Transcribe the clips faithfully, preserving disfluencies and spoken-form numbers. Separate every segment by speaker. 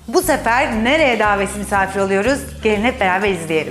Speaker 1: Bu sefer nereye davetsiz misafir oluyoruz? Gelin hep beraber izleyelim.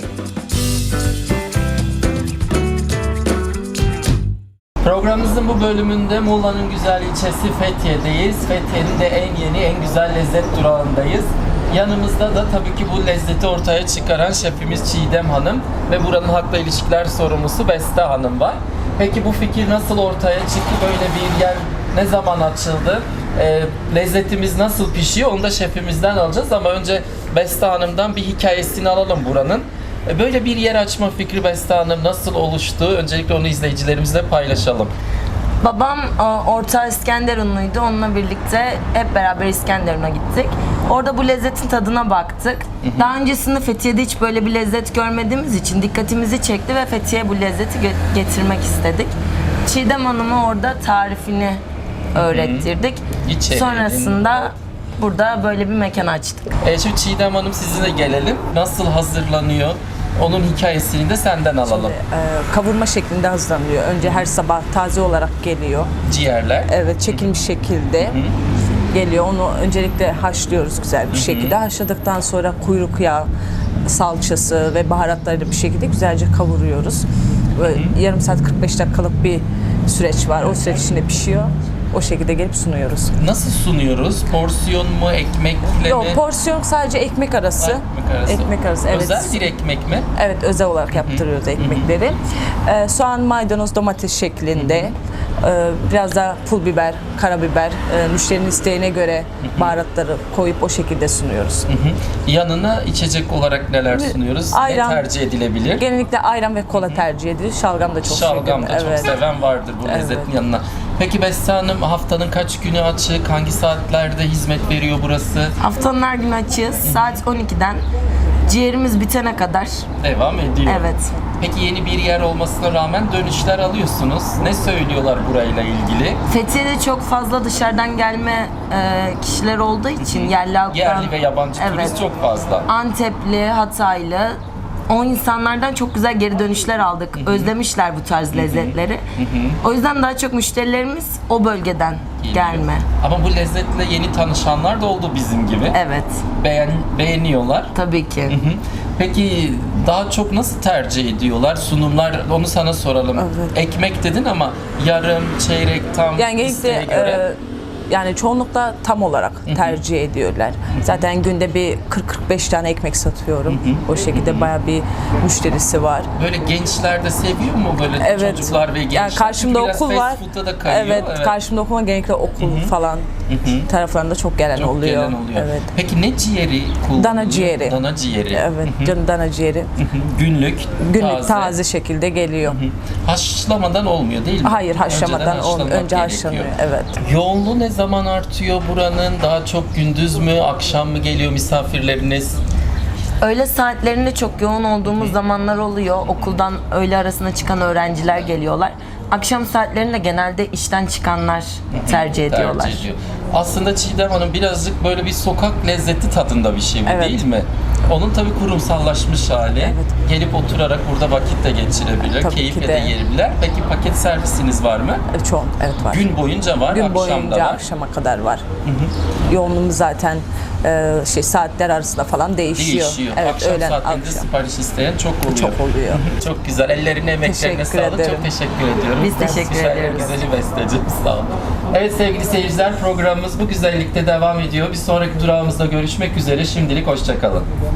Speaker 2: Programımızın bu bölümünde Muğla'nın güzel ilçesi Fethiye'deyiz. Fethiye'nin de en yeni, en güzel lezzet durağındayız. Yanımızda da tabii ki bu lezzeti ortaya çıkaran şefimiz Çiğdem Hanım ve buranın halkla ilişkiler sorumlusu Beste Hanım var. Peki bu fikir nasıl ortaya çıktı? Böyle bir yer ne zaman açıldı? E, lezzetimiz nasıl pişiyor? Onu da şefimizden alacağız ama önce Beste Hanım'dan bir hikayesini alalım buranın. E, böyle bir yer açma fikri Beste Hanım nasıl oluştu? Öncelikle onu izleyicilerimizle paylaşalım.
Speaker 3: Babam e, Orta İskenderunluydu. Onunla birlikte hep beraber İskenderun'a gittik. Orada bu lezzetin tadına baktık. Hı hı. Daha öncesinde Fethiye'de hiç böyle bir lezzet görmediğimiz için dikkatimizi çekti ve Fethiye'ye bu lezzeti ge- getirmek istedik. Çiğdem Hanım'a orada tarifini öğrettirdik.
Speaker 2: İçeriğini.
Speaker 3: Sonrasında burada böyle bir mekan açtık.
Speaker 2: E, şimdi Çiğdem Hanım sizinle gelelim. Nasıl hazırlanıyor? Onun hikayesini de senden alalım.
Speaker 4: Şimdi, e, kavurma şeklinde hazırlanıyor. Önce her sabah taze olarak geliyor.
Speaker 2: Ciğerler.
Speaker 4: Evet, çekilmiş şekilde geliyor. Onu öncelikle haşlıyoruz güzel bir şekilde. Haşladıktan sonra kuyruk yağı, salçası ve baharatlarıyla bir şekilde güzelce kavuruyoruz. Böyle yarım saat kırk beş dakikalık bir süreç var. O süreç içinde pişiyor. O şekilde gelip sunuyoruz.
Speaker 2: Nasıl sunuyoruz? Porsiyon mu, ekmekle
Speaker 4: Yok,
Speaker 2: mi?
Speaker 4: porsiyon sadece ekmek arası.
Speaker 2: Ekmek arası.
Speaker 4: Ekmek arası, evet.
Speaker 2: Özel bir ekmek mi?
Speaker 4: Evet, özel olarak yaptırıyoruz ekmekleri. Ee, soğan, maydanoz, domates şeklinde. Ee, biraz da pul biber, karabiber, e, müşterinin isteğine göre baharatları koyup o şekilde sunuyoruz.
Speaker 2: Hı hı. Yanına içecek olarak neler sunuyoruz?
Speaker 4: Ayran.
Speaker 2: Ne tercih edilebilir?
Speaker 4: Genellikle ayran ve kola tercih edilir. Şalgam da çok
Speaker 2: Şalgam da
Speaker 4: seviyorum.
Speaker 2: çok
Speaker 4: Evet.
Speaker 2: seven vardır bu
Speaker 4: Evet.
Speaker 2: lezzetin yanına. Peki Beste Hanım, haftanın kaç günü açık? Hangi saatlerde hizmet veriyor burası?
Speaker 3: Haftanın her günü açığız. Saat on ikiden ciğerimiz bitene kadar.
Speaker 2: Devam ediyor.
Speaker 3: Evet.
Speaker 2: Peki yeni bir yer olmasına rağmen dönüşler alıyorsunuz. Ne söylüyorlar burayla ilgili?
Speaker 3: Fethiye'de çok fazla dışarıdan gelme e, kişiler olduğu için yerli halktan,
Speaker 2: Yerli ve yabancı
Speaker 3: evet,
Speaker 2: turist çok fazla.
Speaker 3: Antepli, Hataylı, o insanlardan çok güzel geri dönüşler aldık. Özlemişler bu tarz lezzetleri. O yüzden daha çok müşterilerimiz o bölgeden
Speaker 2: Geliyor.
Speaker 3: gelme.
Speaker 2: Ama bu lezzetle yeni tanışanlar da oldu bizim gibi.
Speaker 3: Evet,
Speaker 2: Beğen, beğeniyorlar.
Speaker 3: tabii ki.
Speaker 2: Hı hı. Peki daha çok nasıl tercih ediyorlar? Sunumlar, onu sana soralım.
Speaker 4: Evet.
Speaker 2: Ekmek dedin ama yarım, çeyrek, tam
Speaker 4: Yani
Speaker 2: isteğe
Speaker 4: genellikle
Speaker 2: göre.
Speaker 4: e, yani çoğunlukla tam olarak tercih ediyorlar. Zaten günde bir kırk kırk beş tane ekmek satıyorum. O şekilde bayağı bir müşterisi var.
Speaker 2: Böyle gençler de seviyor mu böyle
Speaker 4: Evet.
Speaker 2: çocuklar ve gençler?
Speaker 4: Yani karşımda
Speaker 2: Çünkü biraz
Speaker 4: okul var.
Speaker 2: fast food'a da kayıyor.
Speaker 4: Evet, karşımda okul var. Genellikle okul falan taraflarında çok gelen
Speaker 2: Çok
Speaker 4: oluyor.
Speaker 2: gelen oluyor.
Speaker 4: Evet.
Speaker 2: Peki ne ciğeri kullanılıyor?
Speaker 4: Dana ciğeri.
Speaker 2: Dana ciğeri.
Speaker 4: Evet, canım dana ciğeri.
Speaker 2: Hı hı. Günlük,
Speaker 4: Günlük
Speaker 2: taze.
Speaker 4: taze, şekilde geliyor.
Speaker 2: Haşlamadan olmuyor değil mi?
Speaker 4: Hayır, haşlamadan
Speaker 2: Önceden
Speaker 4: olmuyor.
Speaker 2: haşlanmak
Speaker 4: Önce
Speaker 2: gerekiyor.
Speaker 4: haşlanıyor. Evet.
Speaker 2: Yoğunluğu ne zaman artıyor buranın? Daha çok gündüz mü, akşam mı geliyor misafirleriniz?
Speaker 3: Öğle saatlerinde çok yoğun olduğumuz zamanlar oluyor. Okuldan öğle arasına çıkan öğrenciler geliyorlar. Akşam saatlerinde genelde işten çıkanlar tercih ediyorlar.
Speaker 2: Tercih ediyor. Aslında Çiğdem Hanım birazcık böyle bir sokak lezzeti tadında bir şey bu,
Speaker 4: Evet.
Speaker 2: değil mi? Onun tabii kurumsallaşmış hali.
Speaker 4: Evet.
Speaker 2: Gelip oturarak burada vakit de geçirebilir,
Speaker 4: Tabii
Speaker 2: keyifle
Speaker 4: ki
Speaker 2: de
Speaker 4: de.
Speaker 2: yiyebilirler. Peki paket servisiniz var mı?
Speaker 4: Evet, Çok, evet var.
Speaker 2: Gün boyunca var,
Speaker 4: Gün
Speaker 2: akşam da
Speaker 4: boyunca
Speaker 2: var.
Speaker 4: akşama kadar var. Yoğunluğumuz zaten e, şey saatler arasında falan değişiyor.
Speaker 2: Değişiyor.
Speaker 4: Evet,
Speaker 2: akşam
Speaker 4: öğlen
Speaker 2: saatlerinde
Speaker 4: akşam.
Speaker 2: sipariş isteyen çok oluyor.
Speaker 4: Çok oluyor.
Speaker 2: Çok güzel. Ellerine, emeklerine
Speaker 4: Teşekkür
Speaker 2: sağlık.
Speaker 4: ederim.
Speaker 2: Çok teşekkür ediyorum.
Speaker 3: Biz teşekkür
Speaker 2: Güzel,
Speaker 3: ediyoruz.
Speaker 2: Güzeli besteci. Sağ olun. Evet sevgili seyirciler, programımız bu güzellikte devam ediyor. Bir sonraki durağımızda görüşmek üzere. Şimdilik hoşça kalın.